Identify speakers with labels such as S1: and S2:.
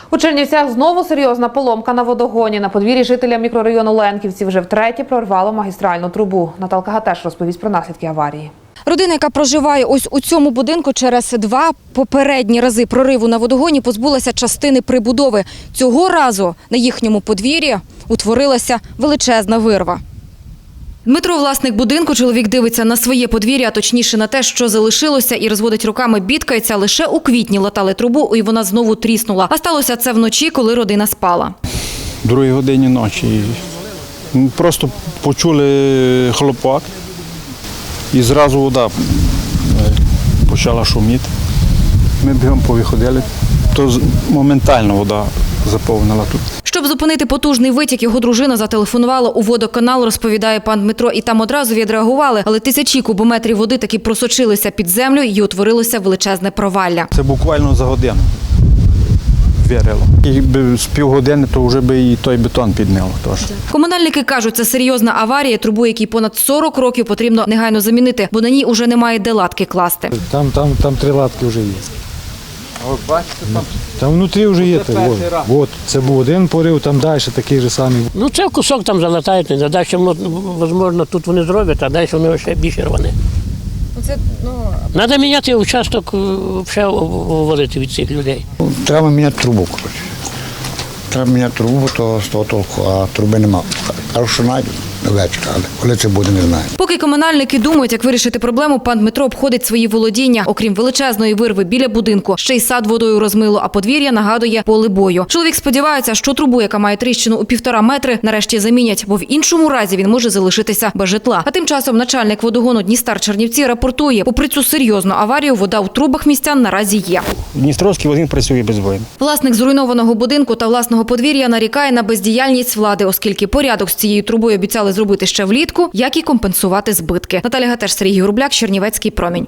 S1: У Чернівцях знову серйозна поломка на водогоні. На подвір'ї жителя мікрорайону Ленківці вже втретє прорвало магістральну трубу. Наталка Гатеш розповість про наслідки аварії.
S2: Родина, яка проживає ось у цьому будинку, через 2 попередні рази прориву на водогоні позбулася частини прибудови. Цього разу на їхньому подвір'ї утворилася величезна вирва. Дмитро, власник будинку, чоловік дивиться на своє подвір'я, а точніше на те, що залишилося, і розводить руками, бідкається. Лише у квітні латали трубу, і вона знову тріснула. А сталося це вночі, коли родина спала.
S3: В 2 годині ночі просто почули хлопок і зразу вода почала шуміти. Ми бігом повиходили, то моментально вода заповнила тут.
S2: Щоб зупинити потужний витік, його дружина зателефонувала у водоканал, розповідає пан Дмитро, і там одразу відреагували. Але тисячі кубометрів води таки просочилися під землю і утворилося величезне провалля.
S3: Це буквально за годину вирило. Якби з півгодини, то вже би і той бетон підняло теж.
S2: Комунальники кажуть, це серйозна аварія, трубу, якій понад 40 років потрібно негайно замінити, бо на ній уже немає де латки класти.
S4: Там 3 латки вже є.
S3: От бачите,
S4: Там внутрі вже є. От, це був один порив, там далі такий же самий.
S5: Ну, це кусок там залатають, а далі, можливо, тут вони зроблять, а далі вони ще більше рване. Треба міняти участок, взагалі виводити від цих людей.
S6: Треба міняти трубу, коротше. Треба міняти трубу, то з того толку, а труби нема. Кажу, що знайдуть вечора, але коли це буде, не знаю.
S2: Поки комунальники думають, як вирішити проблему, пан Дмитро обходить свої володіння. Окрім величезної вирви біля будинку, ще й сад водою розмило, а подвір'я нагадує поле бою. Чоловік сподівається, що трубу, яка має тріщину у 1,5 метри, нарешті замінять, бо в іншому разі він може залишитися без житла. А тим часом начальник водогону Дністар-Чернівці рапортує, попри цю серйозну аварію, вода у трубах містян наразі є.
S7: Дністровський водогін працює безбойно.
S2: Власник зруйнованого будинку та власного подвір'я нарікає на бездіяльність влади, оскільки порядок з цією трубою обіцяли зробити ще влітку, як і компенсувати збитки. Наталя Гатеш, Сергій Грубляк, Чернівецький промінь.